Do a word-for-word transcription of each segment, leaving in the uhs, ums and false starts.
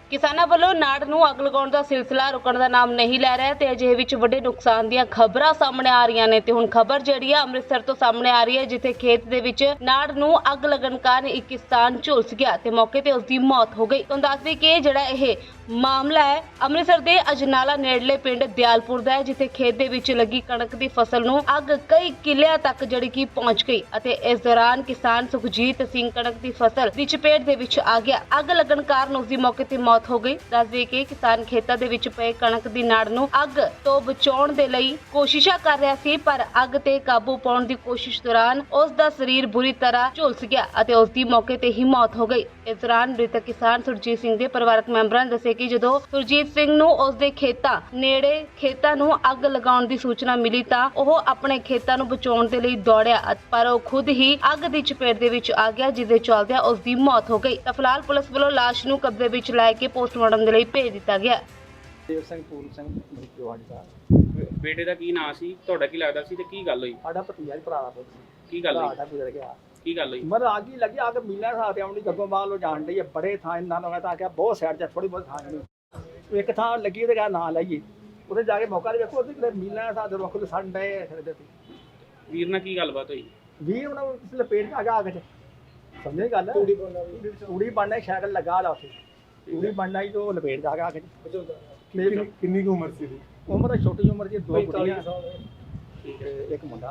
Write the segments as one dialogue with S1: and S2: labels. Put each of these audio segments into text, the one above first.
S1: ਕਿਸਾਨਾਂ ਵੱਲੋਂ ਨਾੜ ਨੂੰ ਅੱਗ ਲਗਾਉਣ ਦਾ ਸਿਲਸਿਲਾ ਰੁਕਣ ਦਾ ਨਾਮ ਨਹੀਂ ਲੈ ਰਿਹਾ ਤੇ ਅਜਿਹੇ ਵਿੱਚ ਵੱਡੇ ਨੁਕਸਾਨ ਦੀਆਂ ਖਬਰਾਂ ਸਾਹਮਣੇ ਆ ਰਹੀਆਂ ਨੇ ਤੇ ਹੁਣ ਖਬਰ ਜਿਹੜੀ ਆ ਅੰਮ੍ਰਿਤਸਰ ਤੋਂ ਸਾਹਮਣੇ ਆ ਰਹੀ ਹੈ, ਜਿੱਥੇ ਖੇਤ ਦੇ ਵਿੱਚ ਨਾੜ ਨੂੰ ਅੱਗ ਲੱਗਣ ਕਾਰਨ ਇੱਕ ਕਿਸਾਨ ਝੁਲਸ ਗਿਆ ਤੇ ਮੌਕੇ ਤੇ ਉਸ ਦੀ ਮੌਤ ਹੋ ਗਈ। ਤੁਹਾਨੂੰ ਦੱਸ ਦਈਏ ਕਿ ਜਿਹੜਾ ਇਹ ਮਾਮਲਾ ਹੈ ਅੰਮ੍ਰਿਤਸਰ ਦੇ ਅਜਨਾਲਾ ਨੇੜਲੇ ਪਿੰਡ ਦਿਆਲਪੁਰ ਦਾ ਹੈ, ਜਿੱਥੇ ਖੇਤ ਦੇ ਵਿੱਚ ਲੱਗੀ ਕਣਕ ਦੀ ਫਸਲ ਨੂੰ ਅੱਗ ਕਈ ਕਿੱਲਿਆਂ ਤੱਕ ਜਿਹੜੀ ਕਿ ਪਹੁੰਚ ਗਈ ਅਤੇ ਇਸ ਦੌਰਾਨ ਕਿਸਾਨ ਸੁਖਜੀਤ ਸਿੰਘ ਕਣਕ ਦੀ ਫਸਲ ਦੀ ਚਪੇਟ ਦੇ ਵਿੱਚ ਆ ਗਿਆ। ਅੱਗ ਲੱਗਣ ਕਾਰਨ ਉਸ ਦੀ ਮੌਕੇ ਤੇ ਮੌਤ ਹੋ ਗਈ। ਦੱਸ ਦਈਏ ਕਿ ਕਿਸਾਨ ਖੇਤਾਂ ਦੇ ਵਿੱਚ ਪਏ ਕਣਕ ਦੀ ਨਾੜ ਨੂੰ ਅੱਗ ਤੋਂ ਬਚਾਉਣ ਦੇ ਲਈ ਕੋਸ਼ਿਸ਼ਾਂ ਕਰ ਰਿਹਾ ਸੀ, ਪਰ ਅੱਗ ਤੇ ਕਾਬੂ ਪਾਉਣ ਦੀ ਕੋਸ਼ਿਸ਼ ਦੌਰਾਨ ਉਸ ਦਾ ਸਰੀਰ ਬੁਰੀ ਤਰ੍ਹਾਂ ਝੁਲਸ ਗਿਆ ਅਤੇ ਉਸ ਦੀ ਮੌਕੇ ਤੇ ਹੀ ਮੌਤ ਹੋ ਗਈ। ਇਸ ਦੌਰਾਨ ਮ੍ਰਿਤਕ ਕਿਸਾਨ ਸੁਰਜੀਤ ਸਿੰਘ ਦੇ ਪਰਿਵਾਰਕ ਮੈਂਬਰਾਂ ਨੇ ਦੱਸਿਆ ਕਿ ਜਦੋਂ ਸੁਰਜੀਤ ਸਿੰਘ ਨੂੰ ਉਸ ਦੇ ਖੇਤਾਂ ਨੇੜੇ ਖੇਤਾਂ ਨੂੰ ਅੱਗ ਲਗਾਉਣ ਦੀ ਸੂਚਨਾ ਮਿਲੀ ਤਾਂ ਉਹ ਆਪਣੇ ਖੇਤਾਂ ਨੂੰ ਬਚਾਉਣ ਦੇ ਲਈ ਦੌੜਿਆ, ਪਰ ਉਹ ਖੁਦ ਹੀ ਅੱਗ ਦੀ ਚਪੇਟ ਦੇ ਵਿੱਚ ਆ ਗਿਆ, ਜਿਸ ਦੇ ਚੱਲਦਿਆਂ ਉਸ ਦੀ ਮੌਤ ਹੋ ਗਈ। ਤਾਂ ਫਿਲਹਾਲ ਪੁਲਿਸ ਵੱਲੋਂ ਲਾਸ਼ ਨੂੰ ਕਬਜ਼ੇ ਵਿੱਚ ਲੈ ਕੇ ਪੋਸਟਮਾਰਟਮ ਦੇ ਲਈ ਭੇਜ ਦਿੱਤਾ ਗਿਆ।
S2: ਦੇਵ ਸਿੰਘ ਪੂਰਨ ਸਿੰਘ ਮਰੀਜਵਾੜੀ ਦਾ
S3: ਬੇਟੇ ਦਾ ਕੀ ਨਾਂ ਸੀ, ਤੁਹਾਡਾ ਕੀ ਲੱਗਦਾ ਸੀ ਤੇ ਕੀ ਗੱਲ ਹੋਈ?
S2: ਸਾਡਾ ਭਤੀਜਾ ਹੀ ਭਰਾ ਦਾ ਪੁੱਤ ਸੀ।
S3: ਕੀ ਗੱਲ ਹੋਈ?
S2: ਸਾਡਾ ਗੁਜ਼ਰ ਗਿਆ।
S3: ਕੀ ਗੱਲ ਹੋਈ?
S2: ਮਰ ਆ ਗਈ ਲੱਗੀ ਆ ਕੇ ਮੀਲਾਂ ਸਾਥ ਆਉਣੀ ਗੱਗੋਂ ਬਾਹਰ ਲੋ ਜਾਣ ਡਈ ਹੈ, ਬੜੇ ਥਾਂ ਇਹਨਾਂ ਨੂੰ ਤਾਂ ਆਖਿਆ ਬਹੁਤ ਸਾਈਡ 'ਚ ਥੋੜੀ ਬਹੁਤ ਥਾਂ ਨਹੀਂ ਇੱਕ ਥਾਂ ਲੱਗੀ ਉਹਦੇ ਕਹਾ ਨਾਂ ਲਾਈਏ, ਉਹਦੇ ਜਾ ਕੇ ਮੌਕਾ ਦੇ ਵੇਖੋ ਉਹਦੇ ਮੀਲਾਂ ਸਾਥ ਰੁੱਖ ਦੇ ਸਣ ਡਏ ਫਿਰਦੇ ਸੀ।
S3: ਵੀਰ ਨਾਲ ਕੀ ਗੱਲਬਾਤ ਹੋਈ?
S2: ਵੀਰ ਉਹਨਾਂ ਨੂੰ ਇਸ ਲਪੇਟ 'ਚ ਆ ਗਿਆ ਅੱਗ 'ਚ, ਸਮਝੇ ਗੱਲ? ਤੂੜੀ ਬਣਨਾ ਸਾਈਕਲ ਲੱਗਾ ਲਾ ਉੱਥੇ, ਤੂੜੀ ਬਣਨਾ ਹੀ ਤੋਂ ਲਪੇਟ 'ਚ ਆ ਗਿਆ ਅੱਗ 'ਚ।
S4: ਕਿੰਨੀ ਕੁ ਉਮਰ ਸੀ?
S2: ਉਮਰ ਛੋਟੀ ਉਮਰ ਦੀ ਦੋ ਕੁੜੀਆਂ
S3: ਠੀਕ
S2: ਤੇ ਇੱਕ ਮੁੰਡਾ।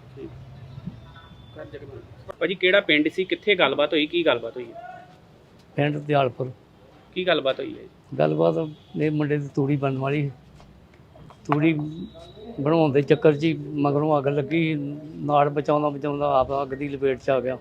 S3: ਭਾਜੀ ਕਿਹੜਾ ਪਿੰਡ ਸੀ, ਕਿੱਥੇ ਗੱਲਬਾਤ ਹੋਈ, ਕੀ ਗੱਲਬਾਤ ਹੋਈ?
S5: ਪਿੰਡ ਦਿਆਲਪੁਰ।
S3: ਕੀ ਗੱਲਬਾਤ ਹੋਈ ਹੈ?
S5: ਗੱਲਬਾਤ ਇਹ ਮੁੰਡੇ ਦੀ ਤੂੜੀ ਬਣਨ ਵਾਲੀ ਸੀ। ਤੂੜੀ ਬਣਾਉਣ ਦੇ ਚੱਕਰ 'ਚ ਹੀ ਮਗਰੋਂ ਅੱਗ ਲੱਗੀ, ਨਾੜ ਬਚਾਉਂਦਾ ਬਚਾਉਂਦਾ ਆਪ ਅੱਗ ਦੀ ਲਪੇਟ 'ਚ ਆ ਗਿਆ।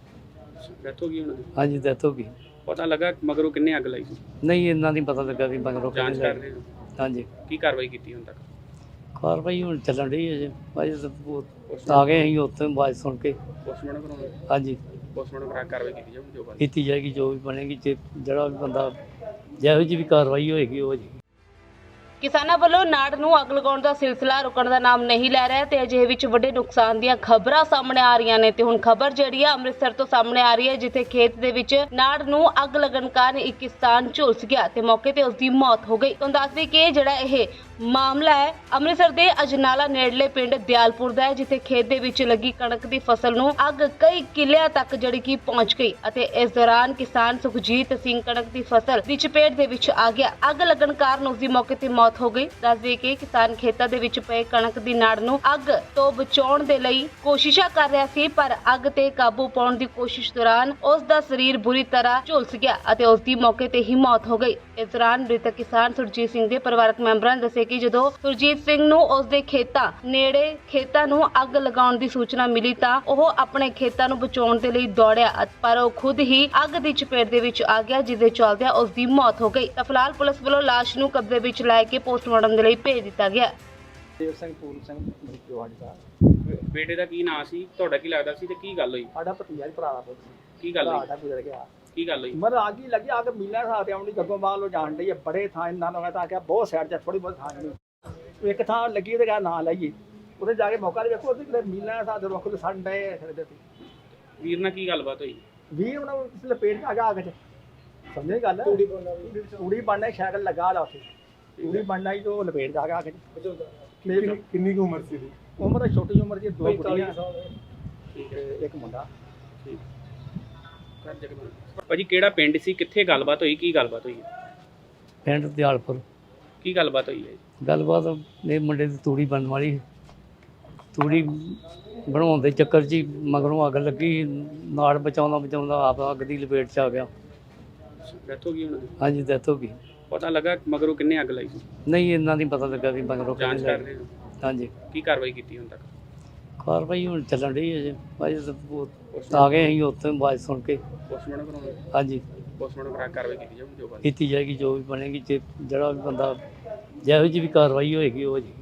S3: ਡੈਥ ਹੋ ਗਈ ਉਹਨਾਂ ਦੀ?
S5: ਹਾਂਜੀ, ਡੈਥ ਹੋ ਗਈ।
S3: ਪਤਾ ਲੱਗਾ ਮਗਰੋਂ ਕਿੰਨੇ ਅੱਗ ਲਾਈ ਸੀ?
S5: ਨਹੀਂ, ਇੰਨਾ ਨਹੀਂ ਪਤਾ ਲੱਗਾ ਵੀ ਮਗਰੋਂ
S3: ਜਾਂਚ
S5: ਕਿਹਨੇ
S3: ਕਰ ਰਹੇ ਹੋ?
S5: ਹਾਂਜੀ।
S3: ਕੀ ਕਾਰਵਾਈ ਕੀਤੀ ਹੁਣ ਤੱਕ?
S5: ਕਾਰਵਾਈ ਹੁਣ ਚੱਲਣ ਰਹੀ ਹੈ ਜੀ। ਅਜੇ ਤਾਂ ਆ ਗਏ ਅਸੀਂ ਉੱਥੇ ਆਵਾਜ਼ ਸੁਣ ਕੇ।
S3: ਪੋਸਟਮਾਰਟਮ ਕਰਾਉਣਾ?
S5: ਹਾਂਜੀ,
S3: ਪੋਸਟਮਾਰਟਮ ਕਰਾ ਕੇ ਕਾਰਵਾਈ ਕੀਤੀ ਜਾਊਗੀ ਜੋ ਬਾਤ।
S5: ਕੀਤੀ ਜਾਏਗੀ, ਜੋ ਵੀ ਬਣੇਗੀ। ਜੇ ਜਿਹੜਾ ਵੀ ਬੰਦਾ ਜਿਹੋ ਜਿਹੀ ਵੀ ਕਾਰਵਾਈ ਹੋਏਗੀ ਉਹ ਜੀ।
S1: ਕਿਸਾਨਾਂ ਵੱਲੋਂ ਨਾੜ ਨੂੰ ਅੱਗ ਲਗਾਉਣ ਦਾ ਸਿਲਸਿਲਾ ਰੁਕਣ ਦਾ ਨਾਮ ਨਹੀਂ ਲੈ ਰਿਹਾ ਤੇ ਅਜਿਹੇ ਵਿੱਚ ਵੱਡੇ ਨੁਕਸਾਨ ਦੀਆਂ ਖਬਰਾਂ ਸਾਹਮਣੇ ਆ ਰਹੀਆਂ ਨੇ ਤੇ ਹੁਣ ਖਬਰ ਜਿਹੜੀ ਆ ਅੰਮ੍ਰਿਤਸਰ ਤੋਂ ਸਾਹਮਣੇ ਆ ਰਹੀ ਹੈ, ਜਿੱਥੇ ਖੇਤ ਦੇ ਵਿੱਚ ਨਾੜ ਨੂੰ ਅੱਗ ਲੱਗਣ ਕਾਰਨ ਇੱਕ ਕਿਸਾਨ ਝੁਲਸ ਗਿਆ ਤੇ ਮੌਕੇ ਤੇ ਉਸ ਦੀ ਮੌਤ ਹੋ ਗਈ। ਤੁਹਾਨੂੰ ਦੱਸ ਦਈਏ ਕਿ ਜਿਹੜਾ ਇਹ ਮਾਮਲਾ ਹੈ ਅੰਮ੍ਰਿਤਸਰ ਦੇ ਅਜਨਾਲਾ ਨੇੜਲੇ ਪਿੰਡ ਦਿਆਲਪੁਰ ਦਾ ਹੈ, ਜਿੱਥੇ ਖੇਤ ਦੇ ਵਿੱਚ ਲੱਗੀ ਕਣਕ ਦੀ ਫਸਲ ਨੂੰ ਅੱਗ ਕਈ ਕਿੱਲਿਆਂ ਤੱਕ ਜਿਹੜੀ ਕਿ ਪਹੁੰਚ ਗਈ ਅਤੇ ਇਸ ਦੌਰਾਨ ਕਿਸਾਨ ਸੁਖਜੀਤ ਸਿੰਘ ਕਣਕ ਦੀ ਫਸਲ ਦੀ ਚਪੇਟ ਦੇ ਵਿੱਚ ਆ ਗਿਆ। ਅੱਗ ਲੱਗਣ ਕਾਰਨ ਉਸ ਦੀ ਮੌਕੇ ਤੇ ਮੌਤ ਹੋ ਗਈ। ਦੱਸ ਦਈਏ ਕਿ ਕਿਸਾਨ ਖੇਤਾਂ ਦੇ ਵਿੱਚ ਪਏ ਕਣਕ ਦੀ ਨਾੜ ਨੂੰ ਅੱਗ ਤੋਂ ਬਚਾਉਣ ਦੇ ਲਈ ਕੋਸ਼ਿਸ਼ਾਂ ਕਰ ਰਿਹਾ ਸੀ, ਪਰ ਅੱਗ ਤੇ ਕਾਬੂ ਪਾਉਣ ਦੀ ਕੋਸ਼ਿਸ਼ ਦੌਰਾਨ ਉਸ ਦਾ ਸਰੀਰ ਬੁਰੀ ਤਰ੍ਹਾਂ ਝੁਲਸ ਗਿਆ ਅਤੇ ਉਸ ਦੀ ਮੌਕੇ ਤੇ ਹੀ ਮੌਤ ਹੋ ਗਈ। ਇਸ ਦੌਰਾਨ ਮ੍ਰਿਤਕ ਕਿਸਾਨ ਸੁਰਜੀਤ ਸਿੰਘ ਦੇ ਪਰਿਵਾਰਕ ਮੈਂਬਰਾਂ ਨੇ ਦੱਸਿਆ ਕਿ ਜਦੋਂ ਸੁਰਜੀਤ ਸਿੰਘ ਨੂੰ ਉਸ ਦੇ ਖੇਤਾਂ ਨੇੜੇ ਖੇਤਾਂ ਨੂੰ ਅੱਗ ਲਗਾਉਣ ਦੀ ਸੂਚਨਾ ਮਿਲੀ ਤਾਂ ਉਹ ਆਪਣੇ ਖੇਤਾਂ ਨੂੰ ਬਚਾਉਣ ਦੇ ਲਈ ਦੌੜਿਆ, ਪਰ ਉਹ ਖੁਦ ਹੀ ਅੱਗ ਦੀ ਚਪੇਟ ਦੇ ਵਿੱਚ ਆ ਗਿਆ, ਜਿਸ ਦੇ ਚੱਲਦਿਆਂ ਉਸ ਦੀ ਮੌਤ ਹੋ ਗਈ। ਤਾਂ ਫਿਲਹਾਲ ਪੁਲਿਸ ਵੱਲੋਂ ਲਾਸ਼ ਨੂੰ ਕਬਜ਼ੇ ਵਿੱਚ ਲੈ ਕੇ ਪੋਸਟਮਾਰਟਮ ਦੇ ਲਈ ਭੇਜ ਦਿੱਤਾ ਗਿਆ।
S2: ਦੇਵ ਸਿੰਘ ਪੂਰਨ ਸਿੰਘ ਮਰੀਜਵਾੜੀ ਦਾ
S3: ਬੇਟੇ ਦਾ ਕੀ ਨਾਂ ਸੀ, ਤੁਹਾਡਾ ਕੀ ਲੱਗਦਾ ਸੀ ਤੇ ਕੀ ਗੱਲ ਹੋਈ?
S2: ਸਾਡਾ ਭਤੀਜਾ ਹੀ ਭਰਾ ਦਾ ਪੁੱਤ ਸੀ।
S3: ਕੀ ਗੱਲ ਹੋਈ?
S2: ਸਾਡਾ ਗੁਜ਼ਰ ਗਿਆ।
S3: ਕੀ ਗੱਲ ਹੋਈ?
S2: ਮਰ ਆ ਗਈ ਲੱਗੀ ਆ ਕੇ ਮੀਲਾਂ ਸਾਥ ਆਉਣੀ ਗੱਗੋਂ ਬਾਹਰ ਲੋ ਜਾਣ ਡਈ ਹੈ, ਬੜੇ ਥਾਂ ਇਹਨਾਂ ਨੂੰ ਤਾਂ ਆਖਿਆ ਬਹੁਤ ਸਾਈਡ 'ਚ ਥੋੜੀ ਬਹੁਤ ਥਾਂ ਨਹੀਂ ਇੱਕ ਥਾਂ ਲੱਗੀ ਉਹਦੇ ਕਹਾ ਨਾਂ ਲਾਈਏ, ਉਹਦੇ ਜਾ ਕੇ ਮੌਕਾ ਦੇ ਵੇਖੋ ਉਹਦੇ ਮੀਲਾਂ ਸਾਥ ਰੁੱਖ ਦੇ ਸਣ ਡਏ ਫਿਰਦੇ ਸੀ।
S3: ਵੀਰ ਨਾਲ ਕੀ ਗੱਲਬਾਤ ਹੋਈ?
S2: ਵੀਰ ਉਹਨਾਂ ਨੂੰ ਇਸ ਲਪੇਟ 'ਚ ਆ ਗਿਆ ਅੱਗ 'ਚ, ਸਮਝੇ ਗੱਲ? ਤੂੜੀ ਬਣਨਾ ਸਾਈਕਲ ਲੱਗਾ ਲਾ ਉੱਥੇ, ਤੂੜੀ ਬਣਨਾ ਹੀ ਤੋਂ ਲਪੇਟ 'ਚ ਆ ਗਿਆ ਅੱਗ 'ਚ।
S4: ਕਿੰਨੀ ਕੁ ਉਮਰ ਸੀ?
S2: ਉਮਰ ਛੋਟੀ ਉਮਰ ਦੀ ਦੋ ਕੁੜੀਆਂ
S3: ਠੀਕ
S2: ਤੇ
S3: ਹੈ।
S2: ਇੱਕ ਮੁੰਡਾ।
S3: ਠੀਕ। ਭਾਜੀ ਕਿਹੜਾ ਪਿੰਡ ਸੀ, ਕਿੱਥੇ ਗੱਲਬਾਤ ਹੋਈ, ਕੀ ਗੱਲਬਾਤ ਹੋਈ?
S5: ਪਿੰਡ ਦਿਆਲਪੁਰ।
S3: ਕੀ ਗੱਲਬਾਤ ਹੋਈ ਹੈ?
S5: ਗੱਲਬਾਤ ਇਹ ਮੁੰਡੇ ਦੀ ਤੂੜੀ ਬਣਨ ਵਾਲੀ ਸੀ। ਤੂੜੀ ਬਣਾਉਣ ਦੇ ਚੱਕਰ 'ਚ ਹੀ ਮਗਰੋਂ ਅੱਗ ਲੱਗੀ, ਨਾੜ ਬਚਾਉਂਦਾ ਬਚਾਉਂਦਾ ਆਪ ਅੱਗ ਦੀ ਲਪੇਟ 'ਚ ਆ ਗਿਆ।
S3: ਡੈਥ ਹੋ ਗਈ ਉਹਨਾਂ ਦੀ?
S5: ਹਾਂਜੀ, ਡੈਥ ਹੋ ਗਈ।
S3: ਪਤਾ ਲੱਗਾ ਮਗਰੋਂ ਕਿੰਨੇ ਅੱਗ ਲਾਈ ਸੀ?
S5: ਨਹੀਂ, ਇੰਨਾ ਨਹੀਂ ਪਤਾ ਲੱਗਾ ਵੀ ਮਗਰੋਂ
S3: ਜਾਂਚ
S5: ਕਿਹਨੇ
S3: ਕਰ ਰਹੇ ਹੋ?
S5: ਹਾਂਜੀ।
S3: ਕੀ ਕਾਰਵਾਈ ਕੀਤੀ ਹੁਣ ਤੱਕ?
S5: ਕਾਰਵਾਈ ਹੁਣ ਚੱਲਣ ਰਹੀ ਹੈ ਜੀ। ਅਜੇ ਤਾਂ ਆ ਗਏ ਅਸੀਂ ਉੱਥੇ ਆਵਾਜ਼ ਸੁਣ ਕੇ।
S3: ਪੋਸਟਮਾਰਟਮ ਕਰਾਉਣਾ?
S5: ਹਾਂਜੀ,
S3: ਪੋਸਟਮਾਰਟਮ ਕਰਾ ਕੇ ਕਾਰਵਾਈ ਕੀਤੀ ਜਾਊਗੀ ਜੋ ਬਾਤ।
S5: ਕੀਤੀ ਜਾਏਗੀ, ਜੋ ਵੀ ਬਣੇਗੀ। ਜੇ ਜਿਹੜਾ ਵੀ ਬੰਦਾ ਜਿਹੋ ਜਿਹੀ ਵੀ ਕਾਰਵਾਈ ਹੋਏਗੀ ਉਹ ਜੀ।